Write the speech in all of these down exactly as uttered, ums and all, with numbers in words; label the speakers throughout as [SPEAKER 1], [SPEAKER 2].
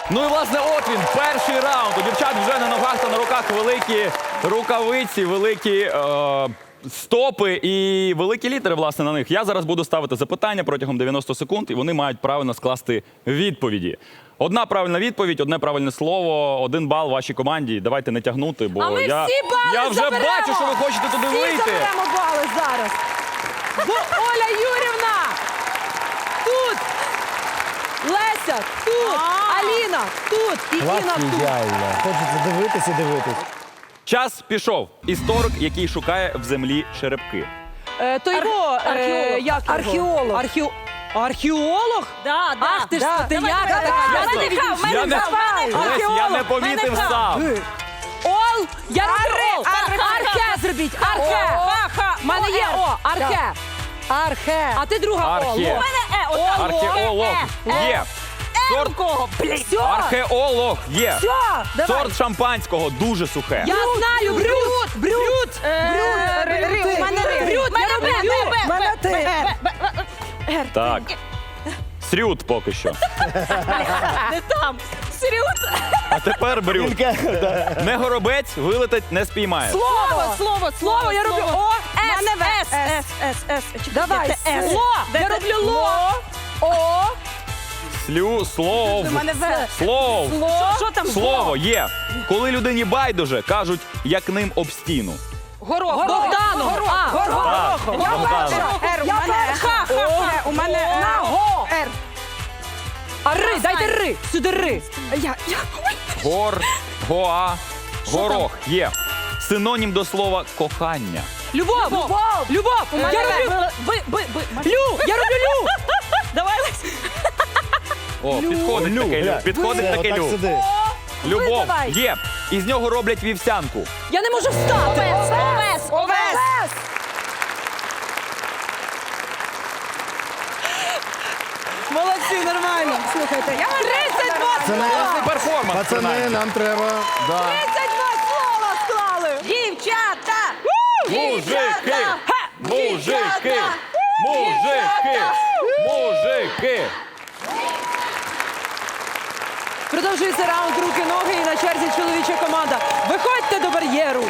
[SPEAKER 1] Ну і, власне, от він, перший раунд. У дівчат вже на ногах та на руках великі рукавиці, великі е, стопи і великі літери, власне, на них. Я зараз буду ставити запитання протягом дев'яноста секунд, і вони мають правильно скласти відповіді. Одна правильна відповідь, одне правильне слово, один бал вашій команді. Давайте не тягнути, бо
[SPEAKER 2] А ми
[SPEAKER 1] я,
[SPEAKER 2] всі бали
[SPEAKER 1] я вже
[SPEAKER 2] заберемо!
[SPEAKER 1] бачу, що ви хочете туди
[SPEAKER 2] Всі
[SPEAKER 1] вийти.
[SPEAKER 2] заберемо бали зараз. Бо Оля Юрівна тут, Леся тут, Аліна тут і Інна тут.
[SPEAKER 3] Ідеально. Хочеться дивитись і дивитись.
[SPEAKER 1] Час пішов. Історик, який шукає в землі черепки.
[SPEAKER 2] Е, то його, е,
[SPEAKER 4] археолог.
[SPEAKER 2] як його?
[SPEAKER 4] Археолог.
[SPEAKER 2] Архео... Археолог?
[SPEAKER 4] Да, да.
[SPEAKER 2] Ах ти ж
[SPEAKER 4] да.
[SPEAKER 2] скотиняка
[SPEAKER 4] Давай,
[SPEAKER 2] така.
[SPEAKER 4] давай,
[SPEAKER 2] Я
[SPEAKER 4] давай.
[SPEAKER 2] не
[SPEAKER 4] Мене
[SPEAKER 2] відійшла.
[SPEAKER 4] в
[SPEAKER 1] Я не,
[SPEAKER 4] мене в
[SPEAKER 1] Лесь, я не помітив
[SPEAKER 4] Мене
[SPEAKER 1] сам.
[SPEAKER 2] Ол, я роблю Ол.
[SPEAKER 4] архе.
[SPEAKER 2] Архе зробіть, архе.
[SPEAKER 4] Ха-ха.
[SPEAKER 2] У мене є О, архе.
[SPEAKER 4] Архе.
[SPEAKER 2] А ти друга О.
[SPEAKER 1] Архе.
[SPEAKER 4] У мене е, отак.
[SPEAKER 1] Археолог є. Сорт,
[SPEAKER 4] Кого? Блін.
[SPEAKER 2] Все,
[SPEAKER 1] археолог є.
[SPEAKER 2] все, давай.
[SPEAKER 1] Сорт шампанського дуже сухе.
[SPEAKER 2] Я знаю, брют, брют.
[SPEAKER 4] Е, ри- ри, у мене ри.
[SPEAKER 2] Брют, я
[SPEAKER 4] Мене
[SPEAKER 2] роблю
[SPEAKER 4] бе,
[SPEAKER 2] Ю.
[SPEAKER 4] бе,
[SPEAKER 3] Мене
[SPEAKER 4] бе,
[SPEAKER 3] ти.
[SPEAKER 4] бе, бе, бе.
[SPEAKER 1] Так. Срют поки що.
[SPEAKER 4] Не там. Срют.
[SPEAKER 1] А тепер брют. Не горобець, вилетить, не спіймає.
[SPEAKER 4] Слово, слово, слово.
[SPEAKER 2] Я роблю
[SPEAKER 4] слово.
[SPEAKER 2] О,
[SPEAKER 4] С,
[SPEAKER 2] Мене В.
[SPEAKER 4] С, С, С, С. Чекайте,
[SPEAKER 2] Давай,
[SPEAKER 4] С.
[SPEAKER 2] Ло. Я роблю Ло. О.
[SPEAKER 1] Слю, слов.
[SPEAKER 4] У мене В.
[SPEAKER 1] Слов.
[SPEAKER 4] Що- Що там?
[SPEAKER 1] Слово є. Коли людині байдуже, кажуть, як ним об стіну.
[SPEAKER 4] Горох.
[SPEAKER 2] Богдану. А,
[SPEAKER 1] Так, Богдан.
[SPEAKER 4] Р, у мене Х, Х, Х. У мене на Го. Р.
[SPEAKER 2] А ри, дайте ри. Сюди ри.
[SPEAKER 4] Я, я.
[SPEAKER 1] Гор, гоа, горох є. Синонім до слова кохання.
[SPEAKER 2] Любов.
[SPEAKER 4] Любов.
[SPEAKER 2] Любов.
[SPEAKER 4] У мене
[SPEAKER 2] Я роблю
[SPEAKER 4] В. Би, би, би.
[SPEAKER 2] Лю. Я роблю Лю.
[SPEAKER 4] Давай, Лесь.
[SPEAKER 1] О, підходить таке лю. Підходить таке лю.
[SPEAKER 3] сиди.
[SPEAKER 1] Любов
[SPEAKER 4] давай.
[SPEAKER 1] є. Із нього роблять вівсянку.
[SPEAKER 2] Я не можу встати.
[SPEAKER 4] Овес, овес, овес.
[SPEAKER 2] Молодці, нормально.
[SPEAKER 4] Слухайте, я
[SPEAKER 2] тридцять два
[SPEAKER 3] Пацани,
[SPEAKER 1] Класний перформанс.
[SPEAKER 3] пацани,
[SPEAKER 1] принаймні.
[SPEAKER 3] нам треба. Да.
[SPEAKER 2] тридцять два слова склали.
[SPEAKER 4] Дівчата!
[SPEAKER 1] Мужики! Мужики! Мужики! Мужики!
[SPEAKER 2] Продовжується раунд руки-ноги і на черзі чоловіча команда. Виходьте до бар'єру.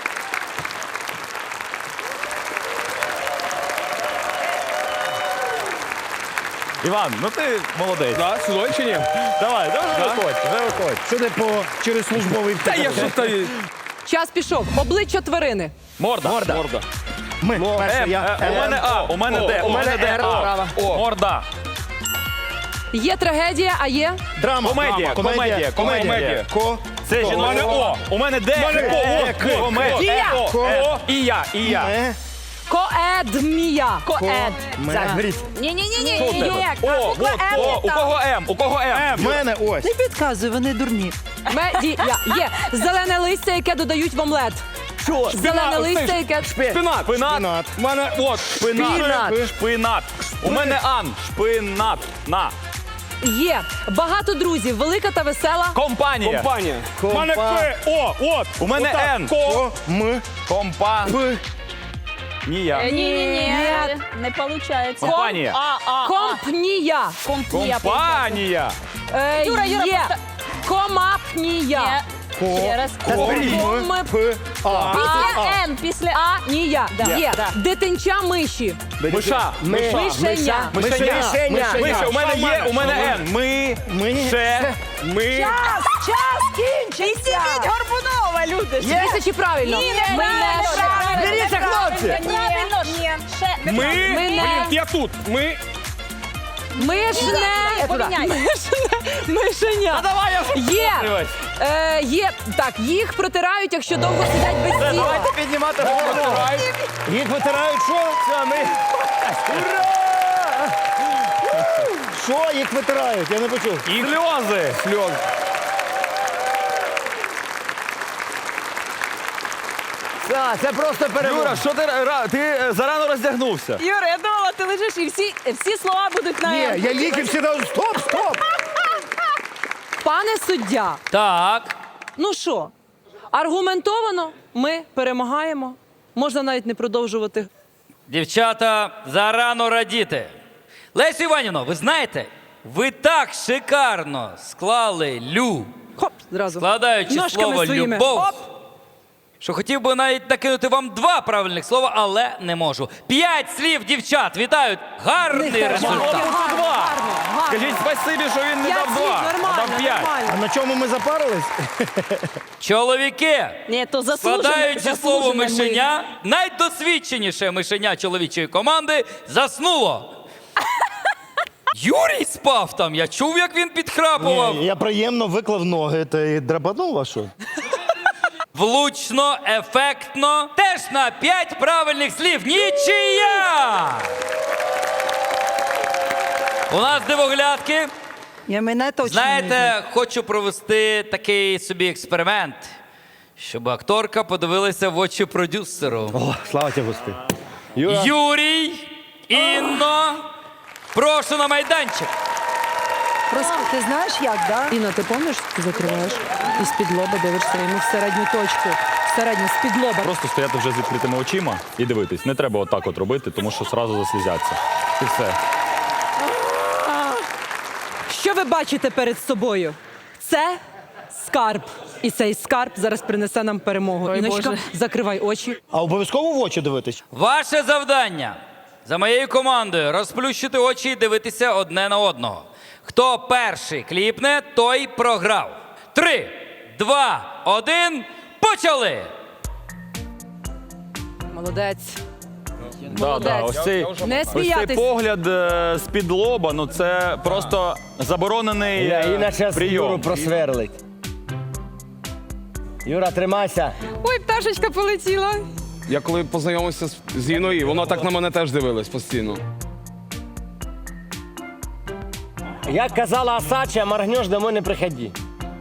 [SPEAKER 1] Іван, ну ти молодець.
[SPEAKER 5] Да, сюди чи ні?
[SPEAKER 1] Давай, давай,
[SPEAKER 5] Да?
[SPEAKER 1] виходь, вже виходь.
[SPEAKER 3] Що ти по через службовий
[SPEAKER 5] Та я що то...
[SPEAKER 2] Час пішов. Обличчя тварини.
[SPEAKER 1] Морда.
[SPEAKER 3] Морда.
[SPEAKER 1] Морда.
[SPEAKER 3] Ми. Перше,
[SPEAKER 1] М,
[SPEAKER 3] я.
[SPEAKER 1] е, у мене А, у мене Д, у мене Д,
[SPEAKER 3] Р,
[SPEAKER 1] А.
[SPEAKER 3] права.
[SPEAKER 1] О, Морда.
[SPEAKER 2] Є трагедія, а є
[SPEAKER 3] Драма.
[SPEAKER 1] Комедія,
[SPEAKER 3] Драма.
[SPEAKER 1] комедія, комедія.
[SPEAKER 3] Ко.
[SPEAKER 1] Це
[SPEAKER 3] Ко.
[SPEAKER 1] жіноче. У мене О, у мене Д,
[SPEAKER 3] мене
[SPEAKER 1] Ко,
[SPEAKER 3] Е,
[SPEAKER 1] О,
[SPEAKER 3] К.
[SPEAKER 1] Комедія. О,
[SPEAKER 3] Ко.
[SPEAKER 1] Е, І я, і я.
[SPEAKER 3] Ме.
[SPEAKER 2] коедмія.
[SPEAKER 4] Коед.
[SPEAKER 3] Ме. Беріть.
[SPEAKER 4] Ні-ні-ні,
[SPEAKER 1] Що в тебе?
[SPEAKER 4] ні.
[SPEAKER 1] О, от, о, у кого М, у кого М?
[SPEAKER 3] В мене ось.
[SPEAKER 2] Не підказуй, вони дурні. Медія. Є. Зелене листя, яке додають в омлет.
[SPEAKER 1] Що?
[SPEAKER 2] Зелене листя, яке...
[SPEAKER 1] Шпинат. Шпинат.
[SPEAKER 3] Шпинат.
[SPEAKER 1] У мене от шпинат.
[SPEAKER 3] Шпинат.
[SPEAKER 1] Шпинат. У мене Ан. Шпинат. На.
[SPEAKER 2] Є. Багато друзів. Велика та весела.
[SPEAKER 1] Компанія.
[SPEAKER 5] Компанія.
[SPEAKER 3] Компа-
[SPEAKER 1] У мене П. О, от. У мене
[SPEAKER 5] Отак.
[SPEAKER 1] Н.
[SPEAKER 3] Ко. М.
[SPEAKER 1] Компа.
[SPEAKER 3] П.
[SPEAKER 1] Нія.
[SPEAKER 4] Ні-ні-ні,
[SPEAKER 2] Ні.
[SPEAKER 4] не виходить.
[SPEAKER 1] Компанія.
[SPEAKER 4] А, а,
[SPEAKER 2] Компнія.
[SPEAKER 4] Компанія.
[SPEAKER 1] Компанія.
[SPEAKER 2] Е,
[SPEAKER 4] Юра, Юра,
[SPEAKER 2] є.
[SPEAKER 4] просто-
[SPEAKER 2] Комапнія.
[SPEAKER 3] Ко.
[SPEAKER 4] Ще раз.
[SPEAKER 3] Та беріть.
[SPEAKER 2] Ком-
[SPEAKER 3] М. П. А.
[SPEAKER 4] Після Н, після
[SPEAKER 2] А, нія. Є.
[SPEAKER 4] Да.
[SPEAKER 2] Дитинча миші.
[SPEAKER 1] Миша. Миша.
[SPEAKER 2] Мишеня.
[SPEAKER 1] Мишеня.
[SPEAKER 3] Мишеня.
[SPEAKER 1] Миша, у мене
[SPEAKER 3] Що в
[SPEAKER 1] є, у мене Н. Ми.
[SPEAKER 3] Ми.
[SPEAKER 1] Ше. Ми.
[SPEAKER 2] Час, час кінчиться.
[SPEAKER 4] Горбунова, люди.
[SPEAKER 2] Тисячі правильно.
[SPEAKER 4] Ні,
[SPEAKER 2] Ми
[SPEAKER 4] неправильно,
[SPEAKER 2] не
[SPEAKER 4] неправильно,
[SPEAKER 1] Беріться, хлопці.
[SPEAKER 4] Правильно, ні. Ще.
[SPEAKER 1] Ми.
[SPEAKER 2] Ми не-
[SPEAKER 1] Блін, я тут. Ми.
[SPEAKER 2] Мишне.
[SPEAKER 4] Поміняй.
[SPEAKER 2] Мишне. Мишеня.
[SPEAKER 1] Давай я
[SPEAKER 2] Є.
[SPEAKER 1] Дивись.
[SPEAKER 2] Е, є. Так, їх протирають, якщо довго сидять без
[SPEAKER 1] Все,
[SPEAKER 2] тіла.
[SPEAKER 1] давайте піднімати голову.
[SPEAKER 3] Їх витирають що?
[SPEAKER 1] Все, ми.
[SPEAKER 3] Що їх витирають? Я не почув.
[SPEAKER 1] І сльози. Сльози.
[SPEAKER 3] Так, це просто
[SPEAKER 1] Юра, що ти, ра- ти е, зарано роздягнувся?
[SPEAKER 4] Юра, я думала, ти лежиш і всі, всі слова будуть на
[SPEAKER 3] Ні,
[SPEAKER 4] Н.
[SPEAKER 3] я ліки всі дав. Стоп, стоп!
[SPEAKER 2] Пане суддя,
[SPEAKER 1] Так.
[SPEAKER 2] ну що, аргументовано ми перемагаємо. Можна навіть не продовжувати.
[SPEAKER 6] Дівчата, зарано радіти. Лесю Іванівно, ви знаєте,
[SPEAKER 5] Ви так шикарно склали лю,
[SPEAKER 2] Хоп, зразу.
[SPEAKER 5] складаючи
[SPEAKER 2] Ножками
[SPEAKER 5] слово
[SPEAKER 2] своїми.
[SPEAKER 5] любов,
[SPEAKER 2] Хоп.
[SPEAKER 5] що хотів би навіть накинути вам два правильних слова, але не можу. П'ять слів, дівчат, вітаю! Гарний
[SPEAKER 2] теж
[SPEAKER 5] результат.
[SPEAKER 2] гарно.
[SPEAKER 1] Два.
[SPEAKER 2] Гарно, гарно.
[SPEAKER 1] Скажіть спасибі, що він не
[SPEAKER 2] П'ять
[SPEAKER 1] дав
[SPEAKER 2] слів,
[SPEAKER 1] два, а
[SPEAKER 2] нормально,
[SPEAKER 1] дав п'ять.
[SPEAKER 3] А
[SPEAKER 2] нормально.
[SPEAKER 3] на чому ми запарились?
[SPEAKER 5] Чоловіки,
[SPEAKER 2] Ні, то заслужено.
[SPEAKER 5] складаючи слово
[SPEAKER 2] заслужено ми.
[SPEAKER 5] мишеня, найдосвідченіше мишеня чоловічої команди заснуло. Юрій спав там, я чув, як він підхрапував.
[SPEAKER 3] Ні, я приємно виклав ноги та й драпанув, а що?
[SPEAKER 5] Влучно, ефектно. Теж на п'ять правильних слів. Нічия! У нас дивоглядки.
[SPEAKER 4] Я мене точно не знаю.
[SPEAKER 5] Знаєте, хочу провести такий собі експеримент, щоб акторка подивилася в очі продюсеру.
[SPEAKER 3] О, слава тебе, Господи. Юра,
[SPEAKER 5] Юрій, Інно, прошу на майданчик.
[SPEAKER 4] Просто ти знаєш як, да?
[SPEAKER 2] Інна, ти пам'ятаєш, ти закриваєш і з-під лоба дивишся йому в середню точку. В середню, з-під лоба.
[SPEAKER 1] Просто стояти вже з відкритими очима і дивитись. Не треба отак от робити, тому що одразу заслізяться. І все.
[SPEAKER 2] Що ви бачите перед собою? Це скарб. І цей скарб зараз принесе нам перемогу. Іночка, закривай очі.
[SPEAKER 3] а обов'язково в очі дивитись?
[SPEAKER 5] Ваше завдання за моєю командою розплющити очі і дивитися одне на одного. Хто перший кліпне, той програв. Три, два, один, почали!
[SPEAKER 2] Молодець.
[SPEAKER 1] Да, да, ось цей,
[SPEAKER 2] Не
[SPEAKER 1] ось цей
[SPEAKER 2] сміятись.
[SPEAKER 1] погляд е, з-під лоба, ну це просто заборонений
[SPEAKER 3] Я
[SPEAKER 1] е,
[SPEAKER 3] іначе Юру
[SPEAKER 1] прийом.
[SPEAKER 3] просверлить. Юра, тримайся.
[SPEAKER 4] Ой, пташечка полетіла.
[SPEAKER 6] Я коли познайомився з, з Іною, вона так на мене теж дивилась постійно.
[SPEAKER 3] Як казала Асача, моргнеш, домой не приходи.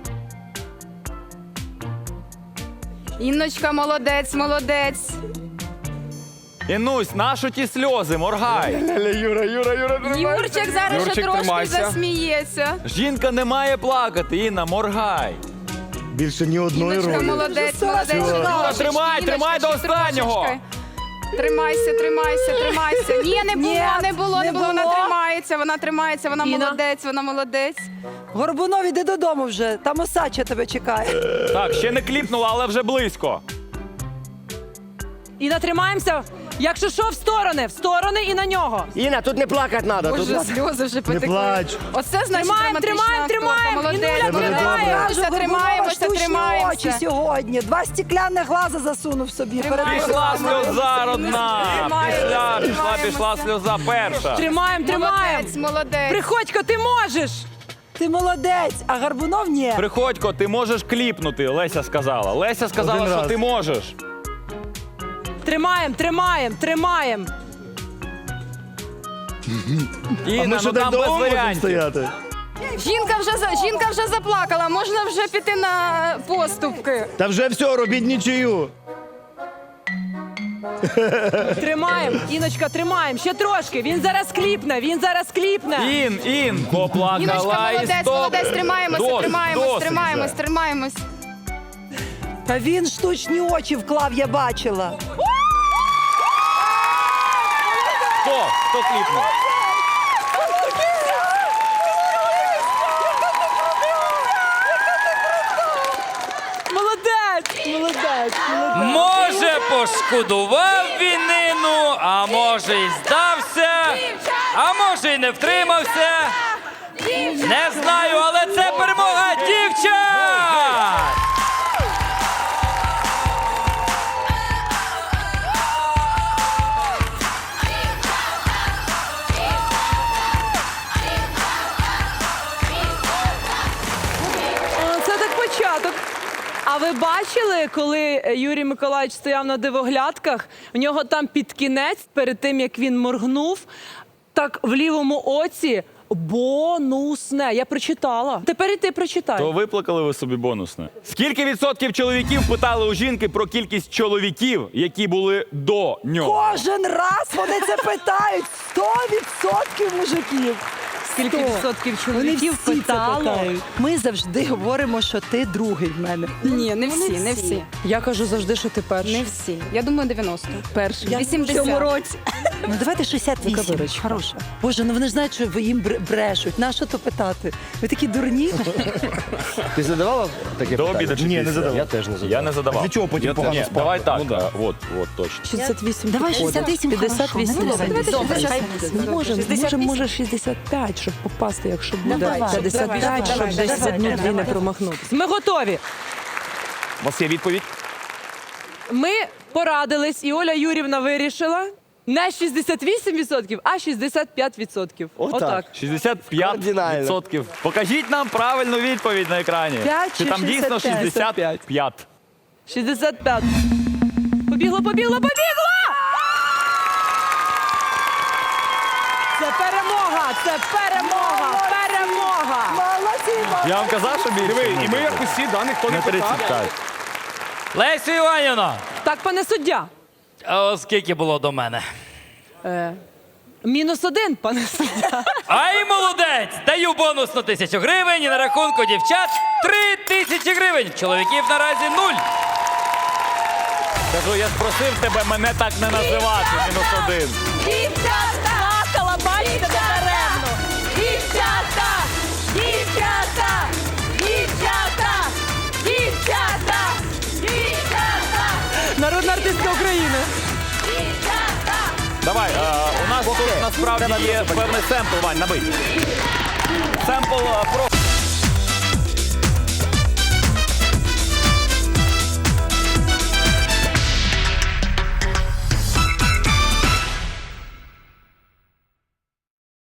[SPEAKER 7] Інночка, молодець, молодець.
[SPEAKER 1] Інусь, нащо ті сльози, моргай.
[SPEAKER 3] Юра, Юра, Юра,
[SPEAKER 7] Юрчик зараз ще
[SPEAKER 6] Юрчик,
[SPEAKER 7] трошки
[SPEAKER 6] тримайся.
[SPEAKER 7] засміється.
[SPEAKER 1] Жінка не має плакати, Інна, моргай.
[SPEAKER 3] Більше ні одної
[SPEAKER 7] Інночка,
[SPEAKER 3] ролі.
[SPEAKER 7] молодець, молодець.
[SPEAKER 1] Юра, тримай, тримай до останнього.
[SPEAKER 7] Тримайся, тримайся, тримайся. Ні, не було,
[SPEAKER 4] Ні,
[SPEAKER 7] не було, не
[SPEAKER 4] не
[SPEAKER 7] було. Вона
[SPEAKER 4] було.
[SPEAKER 7] тримається, вона тримається, вона
[SPEAKER 2] Іна?
[SPEAKER 7] молодець, вона молодець.
[SPEAKER 4] Горбунов, іди додому вже. Там Осача тебе чекає.
[SPEAKER 1] Так, ще не кліпнула, але вже близько.
[SPEAKER 2] Інна, тримаємося. Якщо що, в сторони, в сторони і на нього.
[SPEAKER 3] Іна, тут не плакати треба.
[SPEAKER 7] Боже, сльози вже потекли.
[SPEAKER 3] плач.
[SPEAKER 7] Оце значить
[SPEAKER 2] Тримаємо,
[SPEAKER 7] драматична
[SPEAKER 2] тримаємо,
[SPEAKER 7] акторка.
[SPEAKER 2] тримаємо.
[SPEAKER 7] Молодець,
[SPEAKER 2] Інуля,
[SPEAKER 7] тримаємося,
[SPEAKER 4] Кажу,
[SPEAKER 7] тримаємося,
[SPEAKER 4] Горбунова штучні очі
[SPEAKER 7] тримаємося.
[SPEAKER 4] сьогодні. Два стекляних глаза засунув собі.
[SPEAKER 7] Тримаємося.
[SPEAKER 1] Пішла сльоза родна.
[SPEAKER 7] Тримаємося,
[SPEAKER 1] Пішла, пішла,
[SPEAKER 7] тримаємося.
[SPEAKER 1] пішла сльоза перша.
[SPEAKER 2] Тримаємо, тримаємо.
[SPEAKER 7] Молодець, молодець.
[SPEAKER 2] Приходько, ти можеш.
[SPEAKER 4] Ти молодець, а Горбунов ні.
[SPEAKER 1] Приходько, ти можеш кліпнути, Леся сказала. Леся сказала,
[SPEAKER 3] Один
[SPEAKER 1] що
[SPEAKER 3] раз.
[SPEAKER 1] ти можеш.
[SPEAKER 2] Тримаємо, тримаємо, тримаємо.
[SPEAKER 1] Інна, ну там без варіантів.
[SPEAKER 3] стояти?
[SPEAKER 7] Жінка вже, за- жінка вже заплакала, можна вже піти на поступки.
[SPEAKER 3] Та вже все, робіть нічию.
[SPEAKER 2] Тримаємо. Іночка, тримаємо. Ще трошки. Він зараз кліпне, він зараз кліпне.
[SPEAKER 1] Ін, ін, поплакала
[SPEAKER 7] Іночка,
[SPEAKER 1] і
[SPEAKER 7] молодець,
[SPEAKER 1] стоп.
[SPEAKER 7] молодець, тримаємося,
[SPEAKER 1] Досить,
[SPEAKER 7] тримаємось,
[SPEAKER 1] досить
[SPEAKER 7] тримаємось,
[SPEAKER 1] вже.
[SPEAKER 7] тримаємось.
[SPEAKER 4] Та він штучні очі вклав, я бачила.
[SPEAKER 1] Хто? Хто кліпнув?
[SPEAKER 2] Молодець, молодець, молодець.
[SPEAKER 5] Може, пошкодував він Інну, а може і здався, а може і не втримався. Не знаю, але це перемога дівчат!
[SPEAKER 2] О, це так початок. А ви бачили, коли Юрій Миколаївич стояв на дивоглядках, в нього там під кінець, перед тим, як він моргнув, так в лівому оці бонусне. Я прочитала. Тепер і ти прочитай.
[SPEAKER 1] То виплакали ви собі бонусне. Скільки відсотків чоловіків питали у жінки про кількість чоловіків, які були до нього?
[SPEAKER 4] Кожен раз вони це питають. Сто відсотків мужиків.
[SPEAKER 2] скільки відсотків
[SPEAKER 4] Вони
[SPEAKER 2] чоловіків
[SPEAKER 4] всі це
[SPEAKER 2] питало.
[SPEAKER 4] питають. Ми завжди говоримо, що ти другий в мене.
[SPEAKER 7] Ні, не всі, не всі.
[SPEAKER 2] Я кажу завжди, що ти перший.
[SPEAKER 7] Не всі. Я думаю, дев'яносто.
[SPEAKER 2] перший.
[SPEAKER 7] вісімдесят.
[SPEAKER 4] році. Ну давайте шістдесят вісім.
[SPEAKER 2] Ну-ка, Вірочка.
[SPEAKER 4] Хороша. Боже, ну вони ж знають, що ви їм бр- брешуть. На що то питати? Ви такі дурні.
[SPEAKER 3] Ти задавала таке
[SPEAKER 1] До
[SPEAKER 3] питання?
[SPEAKER 1] обіду чи
[SPEAKER 3] Ні,
[SPEAKER 1] після?
[SPEAKER 3] не задавав.
[SPEAKER 1] Я
[SPEAKER 3] теж не задавав.
[SPEAKER 1] Я не задавав.
[SPEAKER 3] Для чого потім
[SPEAKER 1] Я
[SPEAKER 3] погано
[SPEAKER 1] Ні,
[SPEAKER 3] спав?
[SPEAKER 1] давай так.
[SPEAKER 6] Ну, да.
[SPEAKER 1] а, От, от, точно.
[SPEAKER 2] шістдесят вісім.
[SPEAKER 4] Давай
[SPEAKER 2] підходить.
[SPEAKER 4] шістдесят вісім,
[SPEAKER 2] п'ятдесят вісім.
[SPEAKER 4] хорошо.
[SPEAKER 2] Добре,
[SPEAKER 7] Давайте шістдесят вісім.
[SPEAKER 2] Ми можемо, можемо, може, шістдесят п'ять, щоб попасти, якщо буде
[SPEAKER 4] Давай,
[SPEAKER 2] п'ятдесят п'ять,
[SPEAKER 7] давай,
[SPEAKER 2] щоб
[SPEAKER 7] давай,
[SPEAKER 2] десь
[SPEAKER 7] давай,
[SPEAKER 2] одну-дві
[SPEAKER 7] давай.
[SPEAKER 2] не промахнутися. Ми готові.
[SPEAKER 1] У вас є відповідь?
[SPEAKER 2] Ми порадились, і Оля Юрівна вирішила не шістдесят вісім відсотків, а шістдесят п'ять відсотків.
[SPEAKER 3] Отак.
[SPEAKER 1] шістдесят п'ять
[SPEAKER 3] Кардинально.
[SPEAKER 1] відсотків. Покажіть нам правильну відповідь на екрані.
[SPEAKER 2] П'ять
[SPEAKER 1] Чи
[SPEAKER 2] чи
[SPEAKER 1] там дійсно
[SPEAKER 2] шістдесят п'ять?
[SPEAKER 1] шістдесят п'ять?
[SPEAKER 2] шістдесят п'ять. Побігло, побігло, побігло! Це перемога! Це перемога! Перемога!
[SPEAKER 3] Молодці!
[SPEAKER 1] Я вам казав, що більше.
[SPEAKER 6] Диви, і ми як усі, да, ніхто не
[SPEAKER 1] не
[SPEAKER 6] питав.
[SPEAKER 1] тридцять п'ять.
[SPEAKER 5] Лесю Іванівна,
[SPEAKER 2] Так, пане суддя.
[SPEAKER 5] а ось скільки було до мене?
[SPEAKER 2] Е, мінус один, пане суддя.
[SPEAKER 5] Ай, молодець! Даю бонус на тисячу гривень і на рахунку дівчат три тисячі гривень. Чоловіків наразі нуль.
[SPEAKER 1] Кажу, я ж просив тебе мене так не називати. Мінус один.
[SPEAKER 2] Дівчата! Плакала, бачите, даремно! Дівчата! Дівчата! Дівчата! Дівчата! Дівчата! Народна артистка України.
[SPEAKER 1] Давай, е, у нас тут насправді є певний семпл, Вань, набий. Семпл е, про